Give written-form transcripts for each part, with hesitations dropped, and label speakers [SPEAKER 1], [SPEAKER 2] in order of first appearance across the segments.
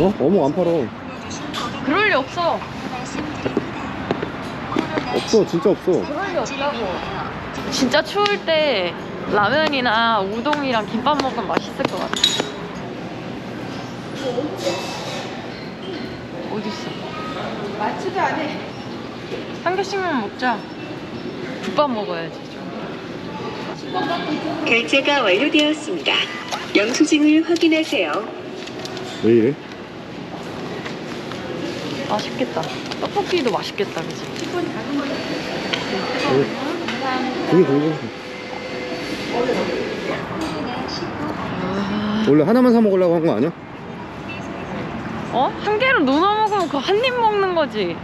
[SPEAKER 1] 어묵 안 팔어.
[SPEAKER 2] 그럴 리 없어.
[SPEAKER 1] 없어, 진짜 없어.
[SPEAKER 2] 그럴 리 없다고. 진짜 추울 때 라면이나 우동이랑 김밥 먹으면 맛있을 것 같아. 어딨어?
[SPEAKER 3] 맞지도 않아.
[SPEAKER 2] 한 개씩만 먹자. 국밥 먹어야지 좀.
[SPEAKER 4] 결제가 완료되었습니다. 영수증을 확인하세요.
[SPEAKER 1] 왜 이래?
[SPEAKER 2] 맛있겠다. 떡볶이도 맛있겠다, 그치?
[SPEAKER 1] 그게 궁금해. 원래 하나만 사 먹으려고 한 거 아니야?
[SPEAKER 2] 어? 한 개를 누나 먹으면 그 한 입 먹는 거지.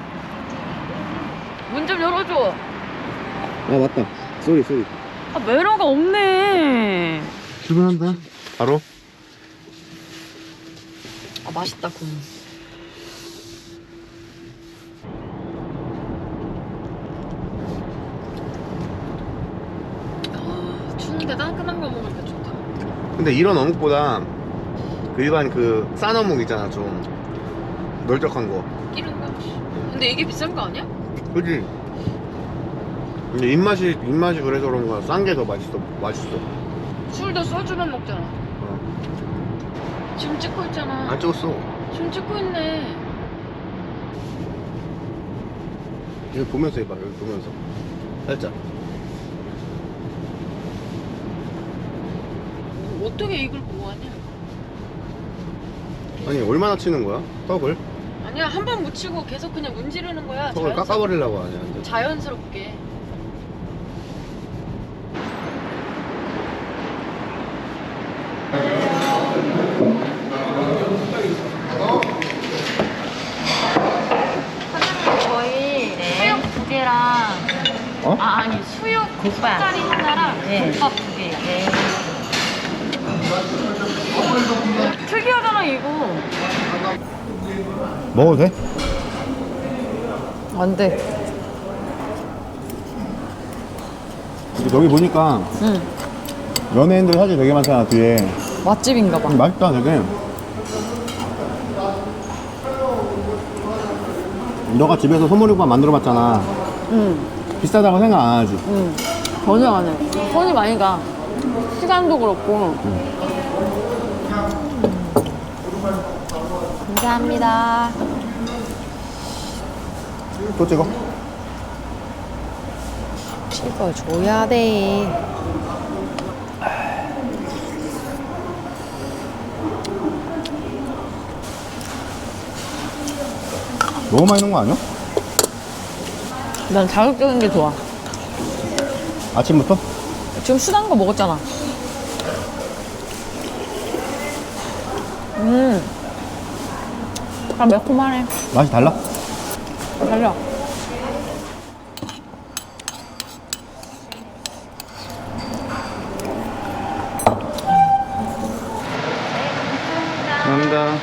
[SPEAKER 2] 문 좀 열어줘.
[SPEAKER 1] 아 맞다. 쏘리.
[SPEAKER 2] 아, 매너가 없네.
[SPEAKER 1] 출근한다. 바로?
[SPEAKER 2] 아, 맛있다, 군. 아, 추운데 따끈한 거 먹으니까 좋다.
[SPEAKER 1] 근데 이런 어묵보다 그 일반 그 싼 어묵 있잖아, 좀 널쩍한 거.
[SPEAKER 2] 끼는 거. 근데 이게 비싼 거 아니야?
[SPEAKER 1] 그지? 근데 입맛이 그래서 그런 거야. 싼 게 더 맛있어.
[SPEAKER 2] 술도 소주만 먹잖아.
[SPEAKER 1] 어.
[SPEAKER 2] 지금 찍고 있잖아.
[SPEAKER 1] 안 찍었어.
[SPEAKER 2] 지금 찍고 있네.
[SPEAKER 1] 여기 보면서 해봐. 여기 보면서 살짝.
[SPEAKER 2] 어떻게 이걸 보고 하냐?
[SPEAKER 1] 아니 얼마나 치는 거야? 떡을?
[SPEAKER 2] 아니야, 한 번 묻히고 계속 그냥 문지르는 거야.
[SPEAKER 1] 떡을 깎아버리려고 하냐 완전.
[SPEAKER 2] 자연스럽게. 사장님, 저희 수육 두 개랑
[SPEAKER 1] 어?
[SPEAKER 2] 아니 수육 국밥짜리 하나랑 국밥 두 개. 네. 특이하잖아 이거.
[SPEAKER 1] 먹어도 돼?
[SPEAKER 2] 안 돼.
[SPEAKER 1] 여기 보니까
[SPEAKER 2] 응.
[SPEAKER 1] 연예인들 사진 되게 많잖아 뒤에.
[SPEAKER 2] 맛집인가 봐.
[SPEAKER 1] 맛있다 되게. 너가 집에서 소머리국밥 만들어봤잖아.
[SPEAKER 2] 응.
[SPEAKER 1] 비싸다고 생각 안 하지?
[SPEAKER 2] 응. 전혀 안 해. 손이 많이 가. 시간도 그렇고. 감사합니다.
[SPEAKER 1] 또 찍어.
[SPEAKER 2] 찍어줘야 돼.
[SPEAKER 1] 너무 많이 넣은 거 아니야?
[SPEAKER 2] 난 자극적인 게 좋아.
[SPEAKER 1] 아침부터?
[SPEAKER 2] 지금 순한 거 먹었잖아. 아, 매콤하네.
[SPEAKER 1] 맛이 달라?
[SPEAKER 2] 달려.
[SPEAKER 1] 감사합니다.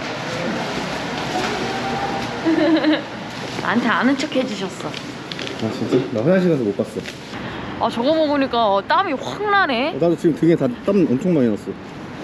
[SPEAKER 2] 나한테 아는 척 해주셨어.
[SPEAKER 1] 아 진짜? 나 화장실 가서 못 봤어.
[SPEAKER 2] 아, 저거 먹으니까 땀이 확 나네.
[SPEAKER 1] 나도 지금 등에 다 땀 엄청 많이 났어.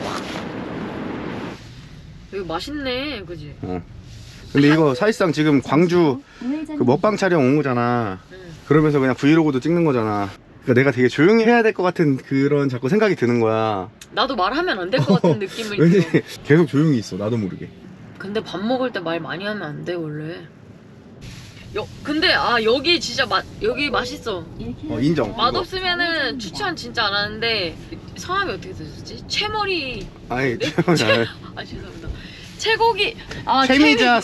[SPEAKER 2] 이거 맛있네, 그지?
[SPEAKER 1] 어. 근데 이거 사실상 지금 광주 그 먹방 촬영 온 거잖아. 그러면서 그냥 브이로그도 찍는 거잖아. 그러니까 내가 되게 조용히 해야 될 것 같은 그런 자꾸 생각이 드는 거야.
[SPEAKER 2] 나도 말하면 안 될 것 같은 느낌을
[SPEAKER 1] 왠지
[SPEAKER 2] 들어.
[SPEAKER 1] 계속 조용히 있어. 나도 모르게.
[SPEAKER 2] 근데 밥 먹을 때 말 많이 하면 안 돼, 원래. 근데 여기 진짜 여기 맛있어.
[SPEAKER 1] 인정.
[SPEAKER 2] 맛없으면은 추천 진짜 안 하는데. 성함이 어떻게 되셨지? 채머리.
[SPEAKER 1] 아니
[SPEAKER 2] 네? 아, 죄송합니다. 채고기.
[SPEAKER 1] 채미자.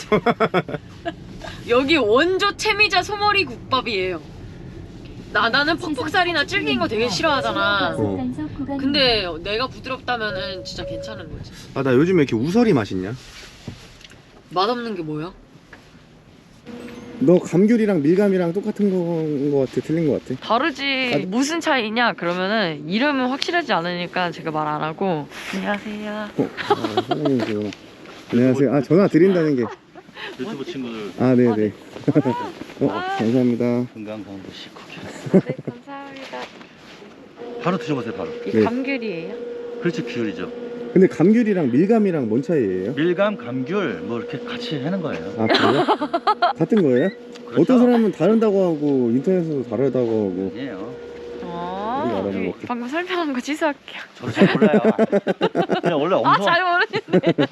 [SPEAKER 2] 여기 원조 채미자 소머리 국밥이에요. 나는 퍽퍽살이나 질긴 거 되게 싫어하잖아. 근데 내가 부드럽다면은 진짜 괜찮은 거지.
[SPEAKER 1] 아 나 요즘에 이렇게 우설이 맛있냐?
[SPEAKER 2] 맛없는 게 뭐야?
[SPEAKER 1] 너 감귤이랑 밀감이랑 똑같은 거인 거 같아? 틀린 거 같아?
[SPEAKER 2] 다르지. 무슨 차이냐? 그러면은 이름은 확실하지 않으니까 제가 말 안 하고. 안녕하세요.
[SPEAKER 1] 사장님이시구나. 안녕하세요. 아 전화 드린다는 게.
[SPEAKER 5] 유튜브 친구들
[SPEAKER 1] 아 네네. 감사합니다.
[SPEAKER 5] 건강상도 식후기
[SPEAKER 2] 네, 감사합니다.
[SPEAKER 5] 바로 드셔보세요. 바로.
[SPEAKER 2] 이
[SPEAKER 1] 네.
[SPEAKER 2] 감귤이에요?
[SPEAKER 5] 그렇죠. 귤이죠.
[SPEAKER 1] 근데 감귤이랑 밀감이랑 뭔 차이예요?
[SPEAKER 5] 밀감, 감귤 뭐 이렇게 같이 하는 거예요.
[SPEAKER 1] 아 그래요? 같은 거예요?
[SPEAKER 5] 그렇죠?
[SPEAKER 1] 어떤 사람은 다른다고 하고 인터넷에서 다르다고 하고.
[SPEAKER 5] 아니에요.
[SPEAKER 1] 우리가 알아는 거.
[SPEAKER 2] 방금 설명한 거 취소할게요.
[SPEAKER 5] 저도 잘 몰라요. 그냥 원래 엄청
[SPEAKER 2] 잘 모르겠네.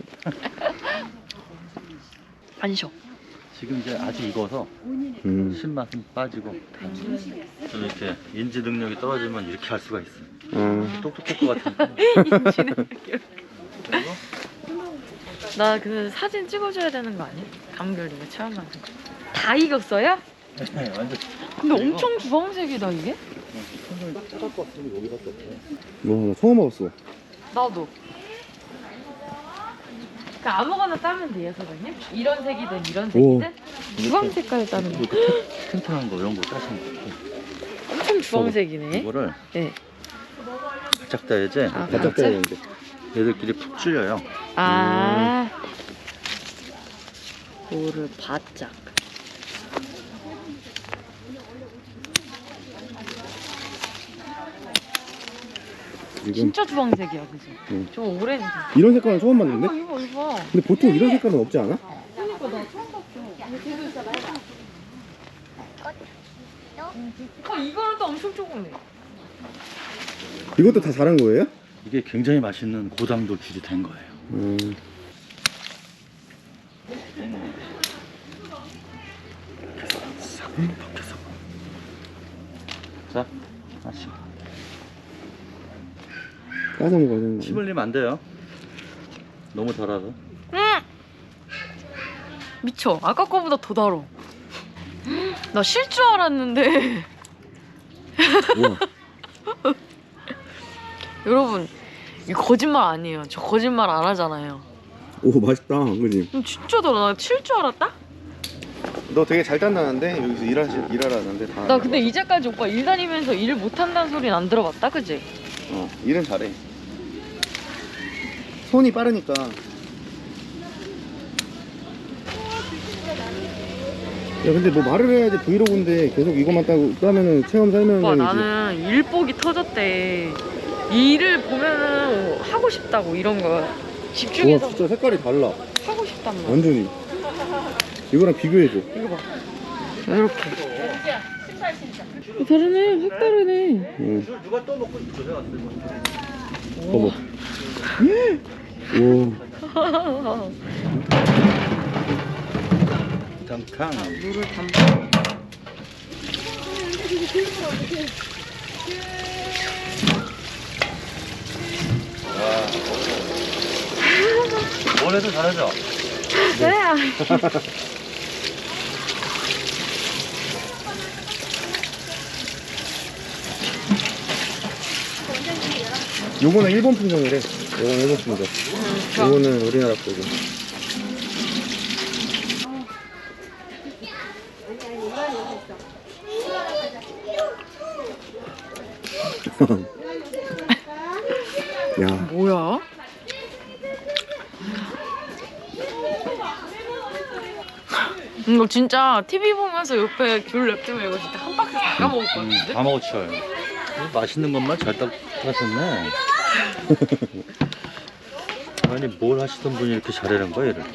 [SPEAKER 2] 안 쉬어.
[SPEAKER 5] 지금 이제 아직 익어서 신맛은 빠지고 좀 이렇게 인지 능력이 떨어지면 이렇게 할 수가 있어요. 똑똑할 것 같은데.
[SPEAKER 2] 나 그 사진 찍어줘야 되는 거 아니야? 감귤 이거 체험하는 거. 다 익었어요?
[SPEAKER 5] 네, 완전.
[SPEAKER 2] 근데 엄청 주황색이다 이게?
[SPEAKER 1] 와, 나 처음 먹었어.
[SPEAKER 2] 나도. 그 아무거나 따면 돼요, 사장님? 이런 색이든 이런 색이든? 주황 색깔 따는 거.
[SPEAKER 5] 튼튼한 거 이런 거 따시면 돼요.
[SPEAKER 2] 엄청 주황색이네.
[SPEAKER 5] 이거를
[SPEAKER 2] 네.
[SPEAKER 5] 바짝 따야지.
[SPEAKER 2] 아,
[SPEAKER 1] 바짝
[SPEAKER 2] 진짜?
[SPEAKER 1] 떼야 되는데.
[SPEAKER 5] 얘들끼리 푹 줄여요.
[SPEAKER 2] 아. 요를 바짝.
[SPEAKER 1] 지금
[SPEAKER 2] 진짜 주황색이야, 그지?
[SPEAKER 1] 응.
[SPEAKER 2] 저 오렌지.
[SPEAKER 1] 이런 색깔은 처음 봤는데?
[SPEAKER 2] 이거.
[SPEAKER 1] 근데 보통 이런 색깔은 없지 않아?
[SPEAKER 2] 이거는 또 엄청 조그매.
[SPEAKER 1] 이것도 다 자란 거예요?
[SPEAKER 5] 이게 굉장히 맛있는 고당도 귤이 된 거예요. 싹 벗겨서. 자, 하나씩.
[SPEAKER 1] 까서 먹어야 되는 거.
[SPEAKER 5] 침 흘리면 안 돼요. 너무 달아서.
[SPEAKER 2] 미쳐. 아까 거보다 더 달어. 나 쉴 줄 알았는데.
[SPEAKER 1] 우와.
[SPEAKER 2] 여러분, 이거 거짓말 아니에요. 저 거짓말 안 하잖아요.
[SPEAKER 1] 오, 맛있다. 그지?
[SPEAKER 2] 진짜 달아. 나 쉴 줄 알았다?
[SPEAKER 1] 너 되게 잘 딴다는데? 여기서 일하라는데 다.
[SPEAKER 2] 나 근데 이제까지 오빠 일 다니면서 일 못한다는 소리는 안 들어봤다, 그지?
[SPEAKER 1] 일은 잘해. 손이 빠르니까. 야, 근데 뭐 말을 해야지 브이로그인데 계속 이것만 따면은 체험
[SPEAKER 2] 오빠
[SPEAKER 1] 설명이지.
[SPEAKER 2] 나는 일복이 터졌대. 일을 보면은 하고 싶다고 이런 거
[SPEAKER 1] 와,
[SPEAKER 2] 집중해서
[SPEAKER 1] 진짜 색깔이 달라.
[SPEAKER 2] 하고 싶단 말이야.
[SPEAKER 1] 완전히. 이거랑 비교해줘.
[SPEAKER 2] 이거 봐. 이렇게. 다르네. 확 다르네.
[SPEAKER 1] 응.
[SPEAKER 5] 누가 떠먹고 고생했어요.
[SPEAKER 1] 봐봐. 오.
[SPEAKER 5] 탕탕.
[SPEAKER 2] 물을 담아.
[SPEAKER 5] 뭘 해도 잘하죠?
[SPEAKER 2] 네.
[SPEAKER 1] 요거는 일본 품종이래. 요거는 일본 품종. 요거는 우리나라 거고. 야,
[SPEAKER 2] 뭐야? 이거 진짜 TV 보면서 옆에 귤 냅두면 이거 진짜 한 박스 다 까먹을 것 같은데?
[SPEAKER 5] 다 먹었어요. 맛있는 것만 잘 따셨네. 아니 뭘 하시던 분이 이렇게 잘하는 거야 얘를.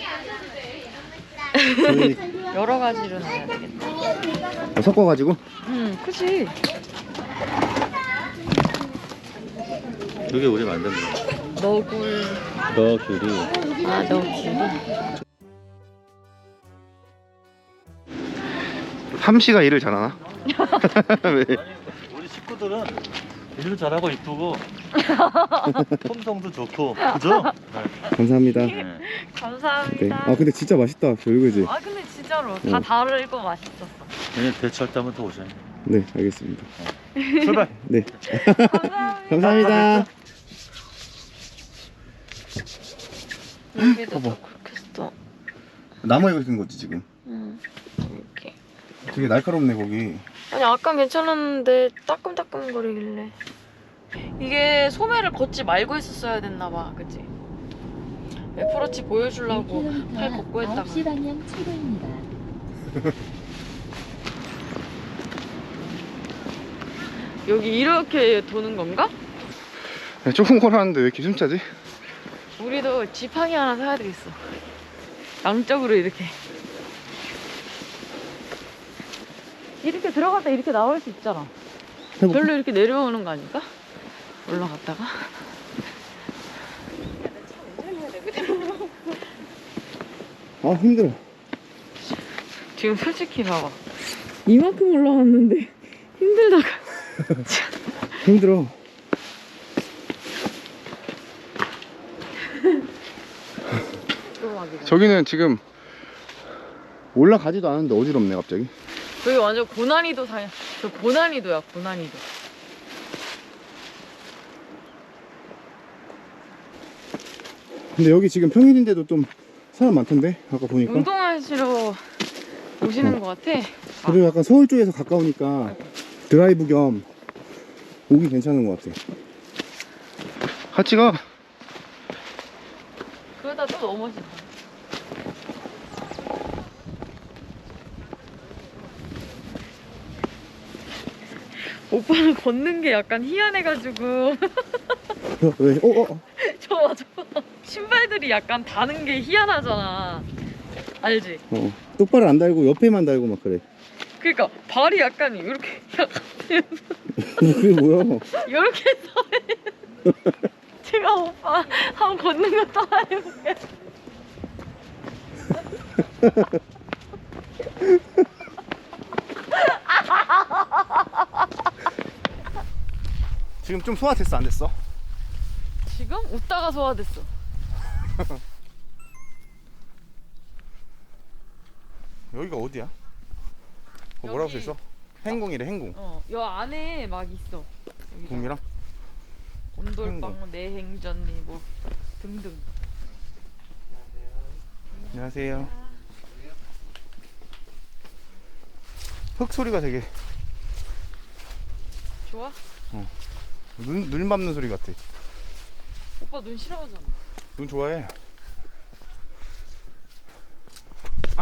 [SPEAKER 1] 저희
[SPEAKER 2] 여러 가지로 넣어야 되겠다.
[SPEAKER 1] 섞어가지고.
[SPEAKER 2] 그치.
[SPEAKER 5] 이게 우리 만든 거야.
[SPEAKER 2] 너굴.
[SPEAKER 5] 너 귤이.
[SPEAKER 2] 아, 너굴.
[SPEAKER 1] 함씨가 일을 잘하나? 왜?
[SPEAKER 5] 우리 식구들은 일도 잘하고 이쁘고 품성도 좋고 그죠?
[SPEAKER 1] 감사합니다.
[SPEAKER 5] 네.
[SPEAKER 1] 네.
[SPEAKER 2] 감사합니다.
[SPEAKER 1] 아, 근데 진짜 맛있다. 별그지?
[SPEAKER 2] 아, 근데 진짜로 다 다르고 맛있었어.
[SPEAKER 5] 내년 대철 때면 또 오셔요.
[SPEAKER 1] 네, 알겠습니다.
[SPEAKER 5] 출발.
[SPEAKER 1] 네.
[SPEAKER 2] 감사합니다.
[SPEAKER 1] 감사합니다.
[SPEAKER 2] 여기도 그렇게 써.
[SPEAKER 1] 나무에 익은 거지 지금.
[SPEAKER 2] 이렇게.
[SPEAKER 1] 되게 날카롭네 거기.
[SPEAKER 2] 아니 아까 괜찮았는데 따끔따끔거리길래 이게 소매를 걷지 말고 했었어야 됐나봐, 그치? 애플워치 보여주려고 팔 걷고 했다가
[SPEAKER 6] 9시 방향 최고입니다.
[SPEAKER 2] 여기 이렇게 도는 건가?
[SPEAKER 1] 조금 걸었는데 왜 이렇게 숨차지?
[SPEAKER 2] 우리도 지팡이 하나 사야 되겠어. 양쪽으로 이렇게. 이렇게 들어갔다 이렇게 나올 수 있잖아. 별로 이렇게 내려오는 거 아닐까? 올라갔다가.
[SPEAKER 1] 아 힘들어.
[SPEAKER 2] 지금 솔직히 봐봐. 이만큼 올라왔는데 힘들다가.
[SPEAKER 1] 힘들어. 저기는 지금 올라가지도 않았는데 어지럽네 갑자기.
[SPEAKER 2] 저기 완전 고난이도 저 고난이도야, 고난이도.
[SPEAKER 1] 근데 여기 지금 평일인데도 좀 사람 많던데 아까 보니까.
[SPEAKER 2] 운동하시러 오시는 것 같아.
[SPEAKER 1] 그리고 약간 서울 쪽에서 가까우니까 드라이브 겸 오기 괜찮은 것 같아. 같이 가.
[SPEAKER 2] 그러다 또 넘어진다. 오빠는 걷는 게 약간 희한해가지고.
[SPEAKER 1] 왜?
[SPEAKER 2] 저봐. 신발들이 약간 다는 게 희한하잖아. 알지?
[SPEAKER 1] 똑바로 안 달고 옆에만 달고 막 그래.
[SPEAKER 2] 그러니까 발이 약간 이렇게
[SPEAKER 1] 그게 뭐야?
[SPEAKER 2] 이렇게 서 제가 오빠 한번 걷는 거 따라해볼게.
[SPEAKER 1] 지금 좀 소화됐어 안 됐어?
[SPEAKER 2] 지금 웃다가 소화됐어.
[SPEAKER 1] 여기가 어디야? 뭐라고
[SPEAKER 2] 여기-
[SPEAKER 1] 써있어? 행궁이래 행궁.
[SPEAKER 2] 여 안에 막 있어. 여기다가.
[SPEAKER 1] 궁이랑?
[SPEAKER 2] 곤돌빵, 내행전리 뭐 등등.
[SPEAKER 1] 안녕하세요. 흙 소리가 되게
[SPEAKER 2] 좋아?
[SPEAKER 1] 눈 밟는 소리 같아.
[SPEAKER 2] 오빠 눈 싫어하잖아.
[SPEAKER 1] 눈 좋아해. 아.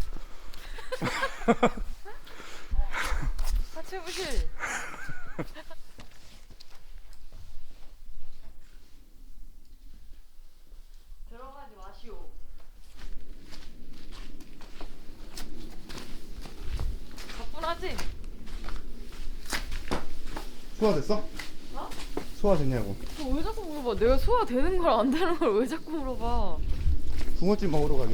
[SPEAKER 2] 같이 해보실. 들어가지 마시오. 가뿐하지?
[SPEAKER 1] 소화됐어?
[SPEAKER 2] 어?
[SPEAKER 1] 소화됐냐고.
[SPEAKER 2] 왜 자꾸 물어봐? 내가 소화되는 걸 안 되는 걸 왜 자꾸 물어봐?
[SPEAKER 1] 붕어찜 먹으러 가게.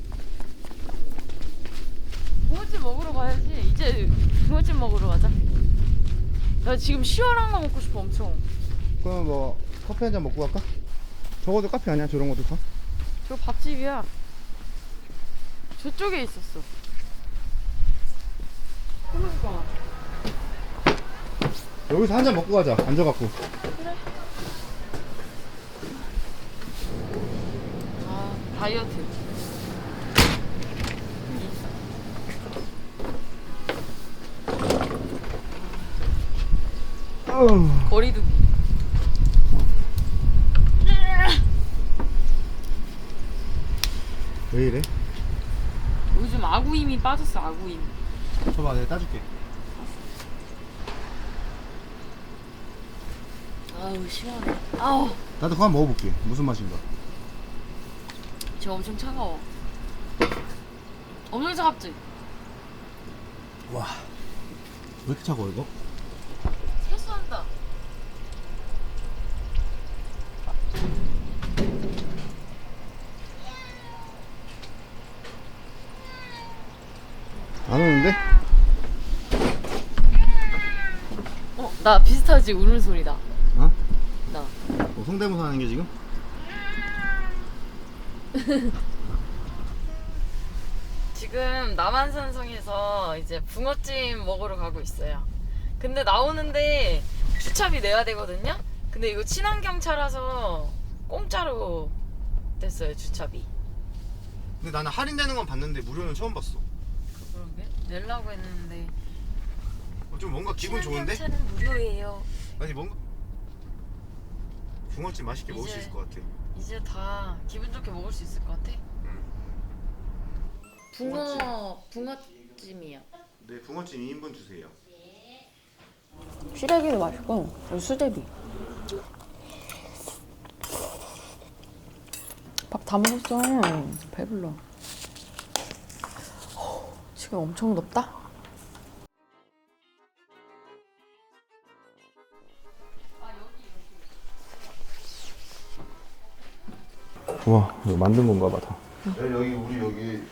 [SPEAKER 2] 붕어찜 먹으러 가야지. 이제 붕어찜 먹으러 가자. 나 지금 시원한 거 먹고 싶어 엄청.
[SPEAKER 1] 그럼 뭐 커피 한 잔 먹고 갈까? 적어도 카페 아니야 저런 것도 다?
[SPEAKER 2] 저 밥집이야. 저쪽에 있었어. 그러니까.
[SPEAKER 1] 여기서 한 잔 먹고 가자 앉아갖고.
[SPEAKER 2] 그래. 아, 다이어트. 거리두기.
[SPEAKER 1] 왜 이래?
[SPEAKER 2] 요즘 아구 힘이 빠졌어, 아구 힘.
[SPEAKER 1] 줘봐 내가 따줄게.
[SPEAKER 2] 아우, 시원해. 아우,
[SPEAKER 1] 나도 그거 한번 먹어볼게. 무슨 맛인가?
[SPEAKER 2] 저 엄청 차가워. 엄청 차갑지?
[SPEAKER 1] 와. 왜 이렇게 차가워 이거?
[SPEAKER 2] 세수한다.
[SPEAKER 1] 안 오는데?
[SPEAKER 2] 나 비슷하지? 우는 소리다.
[SPEAKER 1] 어?
[SPEAKER 2] 나.
[SPEAKER 1] 성대모사 하는 게 지금?
[SPEAKER 2] 지금 남한산성에서 이제 붕어찜 먹으러 가고 있어요. 근데 나오는데 주차비 내야 되거든요? 근데 이거 친환경차라서 공짜로 됐어요, 주차비.
[SPEAKER 1] 근데 나는 할인되는 건 봤는데 무료는 처음 봤어.
[SPEAKER 2] 그런게? 내려고 했는데.
[SPEAKER 1] 좀 뭔가 기분 좋은데?
[SPEAKER 2] 친환경차는 무료예요.
[SPEAKER 1] 아니 뭔가 붕어찜 맛있게 먹을 수
[SPEAKER 2] 이제-
[SPEAKER 1] 있을 것 같아.
[SPEAKER 2] 이제 다 기분 좋게 먹을 수 있을 것 같아. 붕어찜이야.
[SPEAKER 1] 네, 붕어찜 2인분 주세요.
[SPEAKER 2] 시래기도 맛있고 수제비. 다 먹었어. 배불러. 지금 엄청 덥다.
[SPEAKER 1] 우와, 이거 만든 건가 봐, 다.
[SPEAKER 6] 여기 우리 여기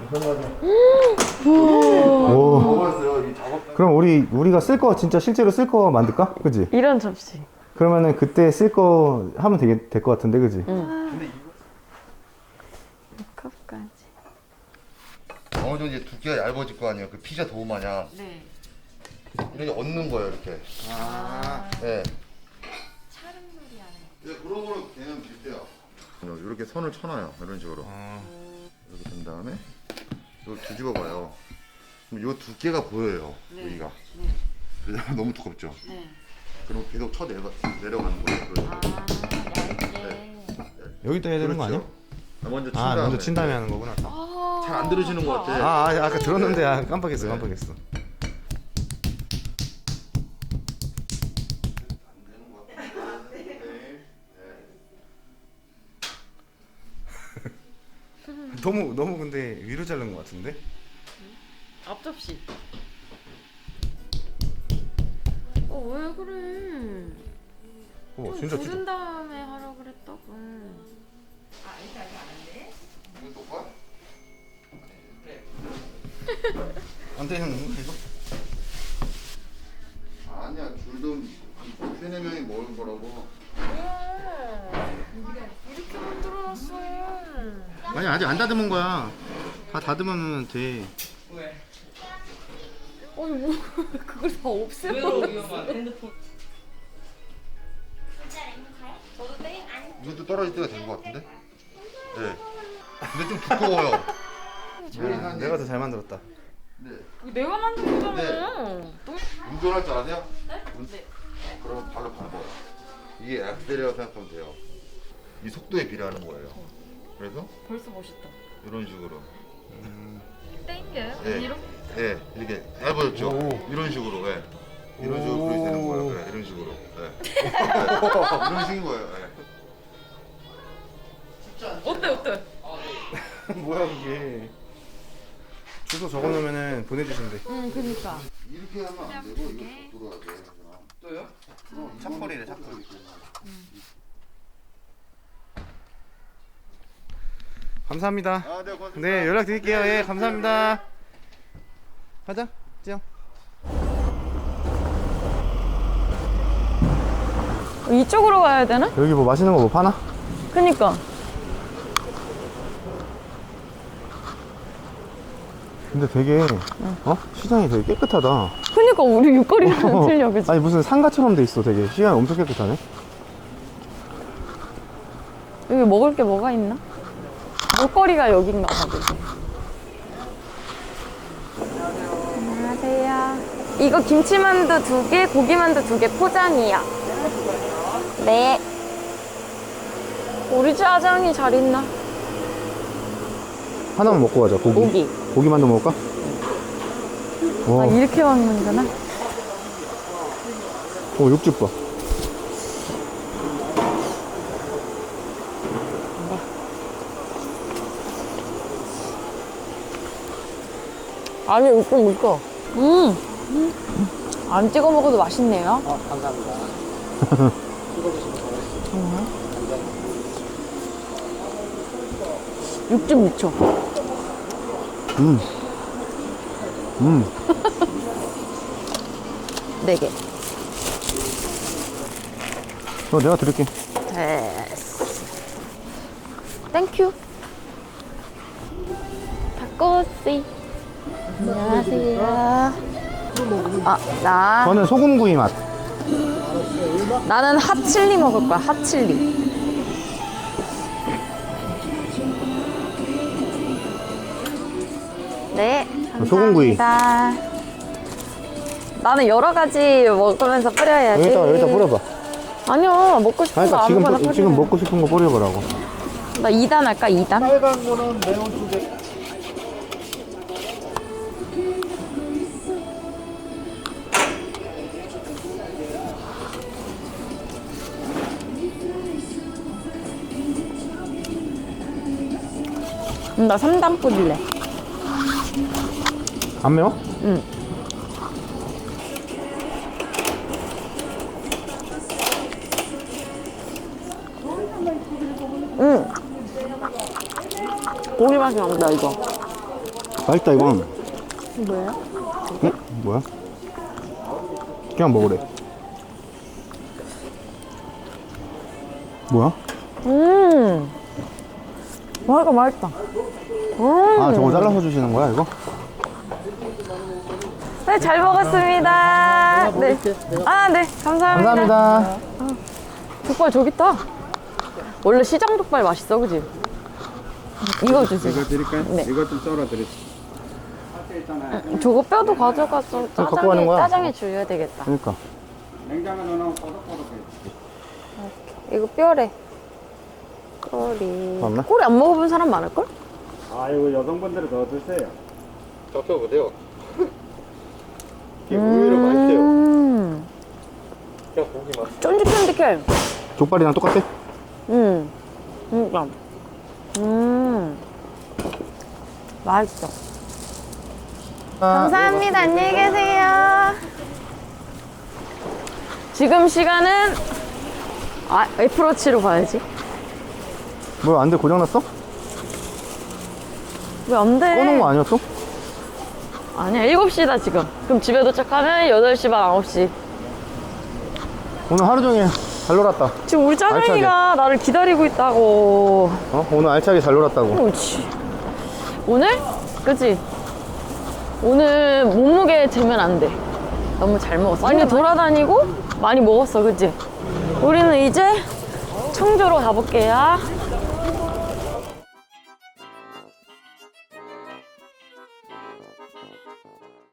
[SPEAKER 1] 오.
[SPEAKER 6] 먹었어요. 이 작업
[SPEAKER 1] 그럼 우리가 쓸 거 진짜 실제로 쓸 거 만들까? 그지?
[SPEAKER 2] 이런 접시.
[SPEAKER 1] 그러면은 그때 쓸 거 하면 될 거 같은데, 그지?
[SPEAKER 2] 컵까지.
[SPEAKER 6] 어느 정도 이제 두께가 얇아질 거 아니에요. 그 피자 도우 마냥
[SPEAKER 2] 네.
[SPEAKER 6] 이렇게 얹는 거예요. 이렇게.
[SPEAKER 1] 아.
[SPEAKER 6] 네. 네, 그런 거로 그냥 비슷해요. 이렇게 선을 쳐놔요. 이런 식으로. 이렇게 된 다음에 이걸 뒤집어 봐요. 그럼 이 두께가 보여요. 여기가. 그래서 너무 두껍죠.
[SPEAKER 2] 네.
[SPEAKER 6] 그럼 계속 내려가는 거예요. 그런 식으로.
[SPEAKER 1] 여기다 해야 되는 거 아니야?
[SPEAKER 6] 먼저 친
[SPEAKER 1] 아,
[SPEAKER 6] 다음에.
[SPEAKER 1] 먼저 친 다음에 하는 거구나.
[SPEAKER 6] 잘 안 들어지는 것 같아.
[SPEAKER 1] 아까 들었는데 깜빡했어. 너무 근데 위로 자른 것 같은데?
[SPEAKER 2] 앞접시. 왜 그래?
[SPEAKER 1] 진짜
[SPEAKER 2] 부른 다음에 하라 그랬다고.
[SPEAKER 6] 이거 똑같?
[SPEAKER 1] 안 되는 건가 이거?
[SPEAKER 6] 아니야, 줄도 세네 명이 먹을 거라고.
[SPEAKER 2] 이렇게 만들어놨어.
[SPEAKER 1] 아니 아직 안 다듬은 거야. 다 다듬으면 돼.
[SPEAKER 2] 뭐 그걸 다 없애버렸어.
[SPEAKER 6] 이것도 떨어질 때가 된 것 같은데? 네. 근데 좀 두꺼워요.
[SPEAKER 1] 내가 더 잘 만들었다.
[SPEAKER 6] 네.
[SPEAKER 2] 내가 만든 거잖아.
[SPEAKER 6] 운전할 줄 아세요? 네. 그럼 발로 밟아요. 이게 엑셀이라고 생각하면 돼요. 이 속도에 비례하는 거예요. 그래서
[SPEAKER 2] 벌써 멋있다.
[SPEAKER 6] 이런 식으로.
[SPEAKER 2] 땡겨요?
[SPEAKER 6] 네.
[SPEAKER 2] 이렇게?
[SPEAKER 6] 네, 이렇게 얇아졌죠? 이런 식으로, 네. 이런 식으로 그려야 되는 거예요. 네, 이런 식으로. 네. 이런 식인 거예요. 네.
[SPEAKER 2] 어때?
[SPEAKER 1] 뭐야 그게? 주소 적어놓으면은 보내주신대.
[SPEAKER 2] 응, 그니까.
[SPEAKER 6] 이렇게 하면 안 되고 이거 돌아야 돼. 또요?
[SPEAKER 1] 착벌이래 착벌. 감사합니다.
[SPEAKER 6] 아, 네, 고맙습니다.
[SPEAKER 1] 네 연락 드릴게요. 예 감사합니다. 가자 지영.
[SPEAKER 2] 이쪽으로 가야 되나?
[SPEAKER 1] 여기 뭐 맛있는 거 뭐 파나?
[SPEAKER 2] 그니까.
[SPEAKER 1] 근데 되게 시장이 되게 깨끗하다.
[SPEAKER 2] 그니까 우리 육거리랑 틀려, 그치?
[SPEAKER 1] 아니 무슨 상가처럼 돼 있어. 되게 시장이 엄청 깨끗하네.
[SPEAKER 2] 여기 먹을 게 뭐가 있나? 먹거리가 여긴가 봐, 그치? 안녕하세요. 이거 김치만두 2개, 고기만두 2개 포장이야. 네. 우리 짜장이 잘 있나?
[SPEAKER 1] 하나만 먹고 가자.
[SPEAKER 2] 고기.
[SPEAKER 1] 고기만두 먹을까? 와,
[SPEAKER 2] 아, 이렇게 먹는구나.
[SPEAKER 1] 육즙 봐.
[SPEAKER 2] 아니, 웃고 웃고. 안 찍어 먹어도 맛있네요.
[SPEAKER 7] 감사합니다.
[SPEAKER 2] 육즙 미쳐. 네 개.
[SPEAKER 1] 내가 드릴게.
[SPEAKER 2] 됐어. 땡큐. 닭꼬치. 안녕하세요.
[SPEAKER 1] 저는 소금구이 맛.
[SPEAKER 2] 나는 핫칠리 먹을 거야, 핫칠리. 네, 감사합니다.
[SPEAKER 1] 소금구이.
[SPEAKER 2] 나는 여러 가지 먹으면서 뿌려야지.
[SPEAKER 1] 여기다 뿌려봐.
[SPEAKER 2] 아니요, 먹고 싶은
[SPEAKER 1] 아니,
[SPEAKER 2] 거
[SPEAKER 1] 그러니까
[SPEAKER 2] 아무거나
[SPEAKER 1] 지금
[SPEAKER 2] 뿌려.
[SPEAKER 1] 먹고 싶은 거 뿌려보라고.
[SPEAKER 2] 나 2단 할까, 2단?
[SPEAKER 7] 빨간 거는 매운 쪽에.
[SPEAKER 2] 나 3단 뿌릴래.
[SPEAKER 1] 안 매워?
[SPEAKER 2] 응. 응. 고기 맛이 난다, 이거.
[SPEAKER 1] 맛있다 이건.
[SPEAKER 2] 뭐예요?
[SPEAKER 1] 응? 뭐야? 그냥 먹으래. 뭐야?
[SPEAKER 2] 와, 이거 맛있다.
[SPEAKER 1] 아 저거 잘라서 주시는 거야 이거?
[SPEAKER 2] 네, 잘 먹었습니다. 네. 아, 네. 감사합니다.
[SPEAKER 1] 감사합니다.
[SPEAKER 2] 족발 저기 있다. 원래 시장 족발 맛있어, 그지? 이거 주세요.
[SPEAKER 7] 이거 드릴까요?
[SPEAKER 2] 네.
[SPEAKER 7] 이거 좀 썰어 드릴게요.
[SPEAKER 2] 저거 뼈도 가져가서
[SPEAKER 1] 갖고 가는 거야?
[SPEAKER 2] 짜장에 줄여야 되겠다.
[SPEAKER 1] 그러니까.
[SPEAKER 7] 냉장고 넣어놓으면 꼬독꼬독해.
[SPEAKER 2] 이거 뼈래. 꼬리.
[SPEAKER 1] 맞나?
[SPEAKER 2] 꼬리 안 먹어본 사람 많을걸?
[SPEAKER 7] 아, 이거 여성분들은 더 드세요.
[SPEAKER 1] 적혀보세요. 이게 의외로 맛있대요. 그냥 고기 맛.
[SPEAKER 2] 쫀득쫀득해.
[SPEAKER 1] 족발이랑 똑같대?
[SPEAKER 2] 그러니까. 맛있어. 감사합니다. 안녕히 계세요. 지금 시간은 애플워치로 봐야지.
[SPEAKER 1] 뭐야 안 돼? 고장났어?
[SPEAKER 2] 왜 안 돼?
[SPEAKER 1] 꺼놓은 거 아니었어?
[SPEAKER 2] 아니야, 7시다 지금. 그럼 집에 도착하면 8시 반, 9시.
[SPEAKER 1] 오늘 하루 종일 잘 놀았다.
[SPEAKER 2] 지금 우리 짜장이가 나를 기다리고 있다고.
[SPEAKER 1] 어? 오늘 알차게 잘 놀았다고.
[SPEAKER 2] 그렇지. 오늘? 그치? 오늘 몸무게 재면 안 돼. 너무 잘 먹었어. 많이 돌아다니고 많이 먹었어, 그치? 우리는 이제 청주로 가볼게요.